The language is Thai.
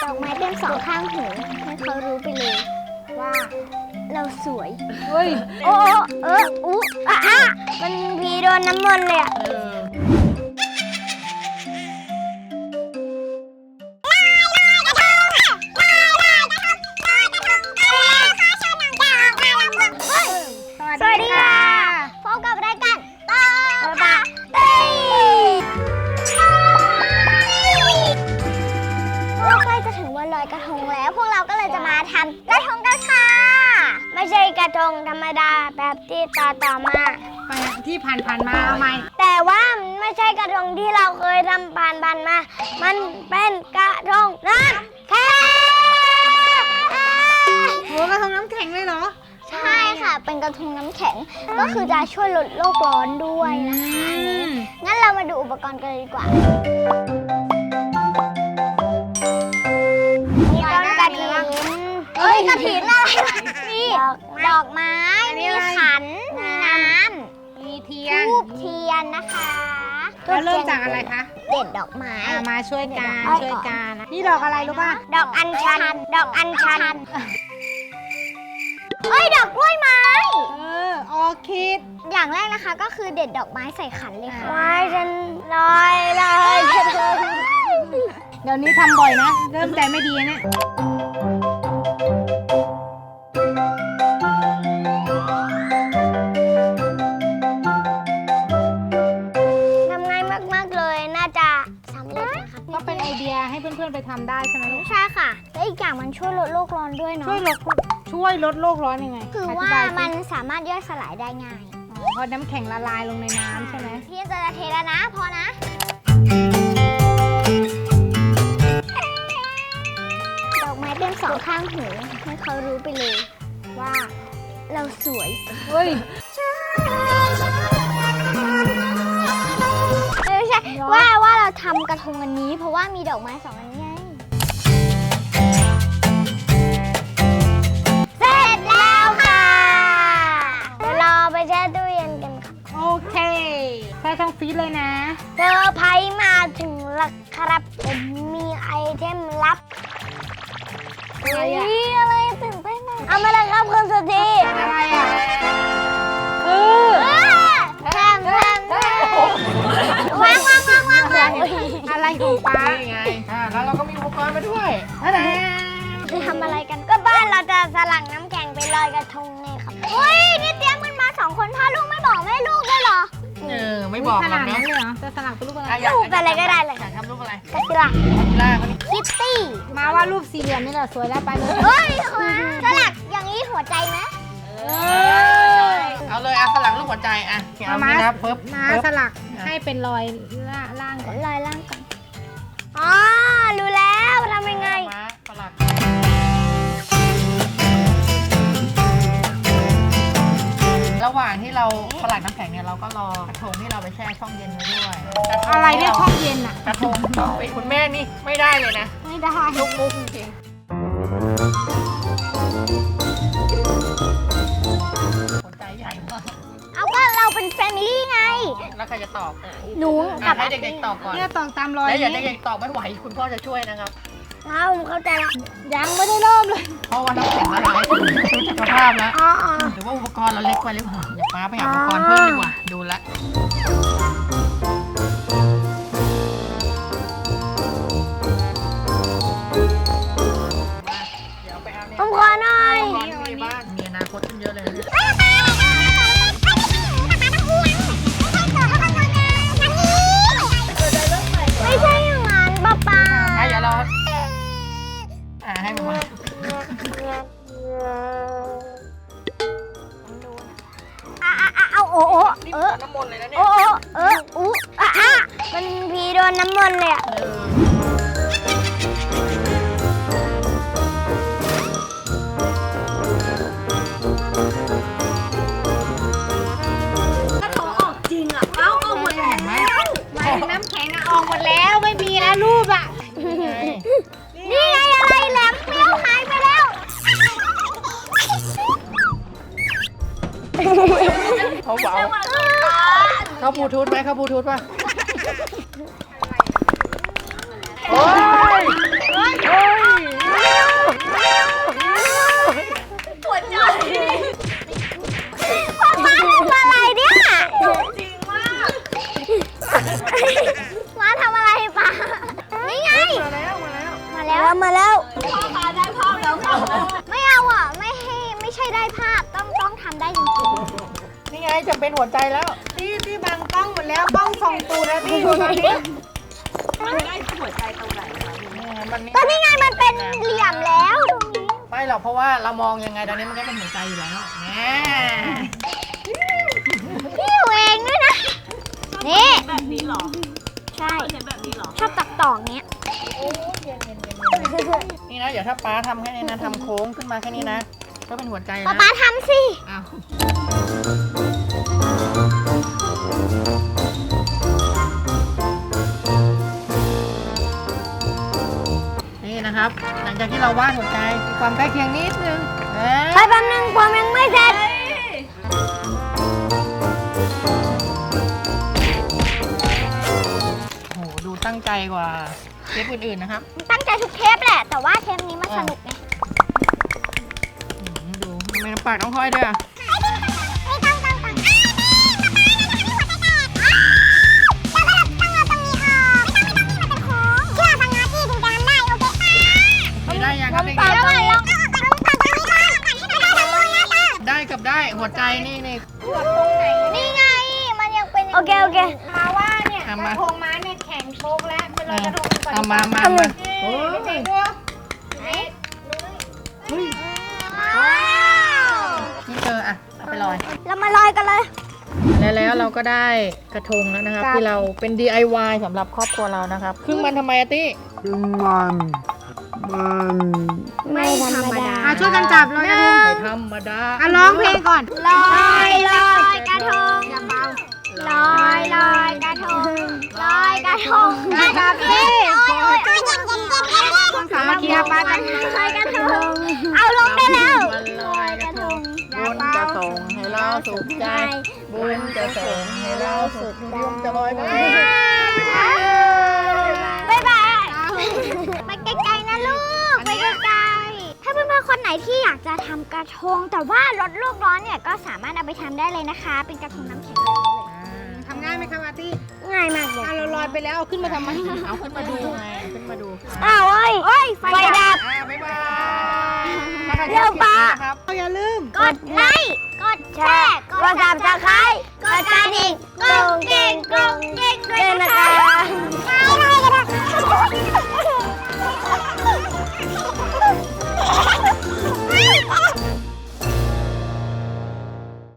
อกไม้เป็นสองข้างหูให้เขารู้ไปเลยว่าเราสวยเฮ้ยโอ้อุ๊มันพีโดนน้ำมนต์เลยอะสวัสดีค่ะพบกับรายการต่อปะเต้ยใกล้จะถึงวันลอยกระทงแล้วพวกเราก็เลยจะมาทำกระทงกันค่ะไม่ใช่กระทงธรรมดาแบบที่ต่อมาที่ผ่านมาเอาไหมแต่ว่าไม่ใช่กระทงที่เราเคยทำผ่านมามันเป็นกระทงน้ำแข็งโหกระทงน้ำแข็งเลยเหรอใช่ค่ะเป็นกระทงน้ำแข็งก็คือจะช่วยลดโลกร้อนด้วยนะคะงั้นเรามาดูอุปกรณ์กันเลยดีกว่ามีต้นกระถินกระถินอะไรมีดอกไม้มีขันมีน้ำมีเทียนทูบเทียนนะคะแล้วเริ่มจากอะไรคะเด็ดดอกไม้มาช่วยกันนี่ดอกอะไรรู้ป่ะดอกอัญชันดอกกล้วยไม้ออร์คิดอย่างแรกนะคะก็คือเด็ดดอกไม้ใส่ขันเลยค่ะไม้ฉันลอยเดี๋ยวนี้ทำบ่อยนะเริ่มใจไม่ดีนะทำง่ายมากๆเลยน่าจะสำเร็จนะคะก็เป็นไอเดียให้เพื่อนๆไปทำได้ใช่ไหมลูกใช่ค่ะและอีกอย่างมันช่วยลดโลกร้อนด้วยเนาะช่วยลดโลกร้อนยังไงคือว่ามันสามารถย่อยสลายได้ง่ายเพราะน้ำแข็งละลายลงในน้ำใช่ไหมพี่จะเทแล้วนะพอนะดอกไม้เป็นสองข้างหูให้เขารู้ไปเลยว่าเราสวยเฮ้ยไม่ใช่ว่าเราทำกระทงอันนี้เพราะว่ามีดอกไม้สองอันนี้ไงเสร็จแล้วค่ะเดี๋ยวรอไปแช่ตู้เย็นกันค่ะโอเคแช่ช่องฟรีซเลยนะเซอร์ไพรส์มาถึงแล้วครับมีไอเทมลับอะไรตื่นเต้นเอามาเลยครับคุณสุธีอะไรอ่ะแทมวางอะไรของป้าไงแล้วเราก็มีอุปกรณ์มาด้วยจะทำอะไรกันก็บ้านเราจะสลักน้ำแข็งไปลอยกระทงไงครับเฮ้ยนี่เตรียมกันมา2 คนพ่อลูกไม่บอกแม่ลูกด้วยเหรอไม่บอกขนาดนั้นเลยเหรอจะสลักเป็นรูปอะไรรูปอะไรก็ได้เลยอยากทำรูปอะไรกระติล่าคิตตี้มาว่ารูปสี่เหลี่ยมนี่แหละสวยแล้วไปเลยเฮ้ยสลักอย่างนี้หัวใจไหมเอาเลยสลักรูปหัวใจเอามาสลักให้เป็นรอยล่างก่อนรอยล่างก่อนอ๋อรู้แล้วทำยังไงสลักระหว่างที่เราสลักน้ำแข็งเนี่ยเราก็รอกระทงที่เราไปแช่ช่องเย็นไว้ด้วยอะไรเรียกช่องเย็นอ่ะกระทงเป็นคุณแม่นี่ไม่ได้เลยนะไม่ได้ลุกมุกจริงหัวใจใหญ่มากเอาก็เราเป็นแฟมิลี่ไงแล้วใครจะตอบหนูกับให้เด็กๆตอบก่อนเนี่ยตอบตามรอยแล้วอย่าเด็กๆตอบไม่ไหวคุณพ่อจะช่วยนะครับผมเข้าใจละยังไม่ได้เริ่มเลยเพราะว่าน้ำแข็งละลายสุขภาพแล้วหรือว่าอุปกรณ์เราเล็กไปหรือเปล่าอย่าป้าไปหาอุปกรณ์เพิ่มดีกว่าดูแลผมขอหน่อยมีอนาคตขึ้นเยอะเลยไม่ใช่อย่างนั้นป้าอย่าเราให้มาเอาน้ำมนต์เลยนะเนี่ยมันพีโดนน้ำมนต์เลยอะน้ำแข็งออกหมดแล้วไม่มีแล้วรูปอ่ะนี่ไงอะไรแหลมเปรี้ยวหายไปแล้วเขาเบาเขาบลูทูธไหมเขาบลูทูธป่ะโอ้ยำมาแล้วพ่อขาได้ภาพแล้วค่ะไม่เอาอ่ะไม่ใช่ได้ภาพต้องทำได้จริงนี่ไงจะเป็นหัวใจแล้วที่บังกล้องหมดแล้วกล้องส่องตูนะที่ดูตอนนี้มันได้หัวใจตรงไหนคะๆก็นี่ไงมันเป็นเหลี่ยมแล้วตรงนี้ไม่หรอกเพราะว่าเรามองยังไงตอนนี้มันก็เป็นหัวใจอยู่แล้วแหมพี่อยู่เองด้วยนะนี่แบบนี้หรอใช่เห็นแบบนี้หรอชอบตักต่อเงี้ยนี่นะเดี๋ยวถ้าป้าทำแค่นี้นะทำโค้งขึ้นมาแค่นี้นะก็เป็นหัวใจป๊านะป๊าทำสิอ้าวนี่นะครับ หลังจากที่เราวาดหัวใจมีความใกล้เคียงนิดนึงไปแป๊บนึงผมยังไม่เสร็จโอ้โหดูตั้งใจกว่าเทปอื่นๆนะครับตั้งใจทุกเทปแหละ แต่ว่าเทปนี้มันสนุกไงดูทำไมน้ำปากต้องห้อยด้วยอ่ะ ไม่ได้ยังครับเด็กๆได้กับได้หัวใจนี่นี่ไง มันยังเป็นโอเคมาว่าเนี่ยเอากมาระทงม้าเนี่ยแข็งโชกแล้วไปลอยกระทงก่อนเอามาโอ้ยเด็กๆดูไหนนี่เธออ่ะเอาไปลอยเรามาลอยกันเลยแล้วเราก็ได้กระทงแล้วนะครับ ที่เราเป็น DIY สำหรับครอบครัวเรานะครับครึ่งมันทำไมอะตี้ไม่ธรรมดาช่วยกันจับลอยกระทงไม่ธรรมดาร้องเพลงก่อนลอยกระทงอย่าเบาลอยกระทง ลอยกระทงได้ครับพี่สามัคคีปากันลอยกระทง เอาลงได้แล้ววันลอยกระทงบุญจะส่งให้เราสุขใจ บุญจะส่งให้เราสุขใจจะลอยไปบ๊ายบายไปไกลๆนะลูก ไปไกลๆถ้าเพื่อนๆคนไหนที่อยากจะทำกระทง แต่ว่าลดโลกร้อนเนี่ยก็สามารถเอาไปทำได้เลยนะคะ เป็นกระทงน้ำแข็งแบบนี้เลยทำง่ายไหมคะอาร์ตี้ง่ายมากเลยเราลอยไปแล้วเอาขึ้นมาทำไมเอาขึ้นมาดูไงขึ้นมาดูอ้าวเอ้ยไฟดับบ๊ายบายเร็วปะครับอย่าลืมกดไลค์ กดแชร์ กด Subscribe กดกระดิ่งกรุงกริ๊งด้วยนะคะ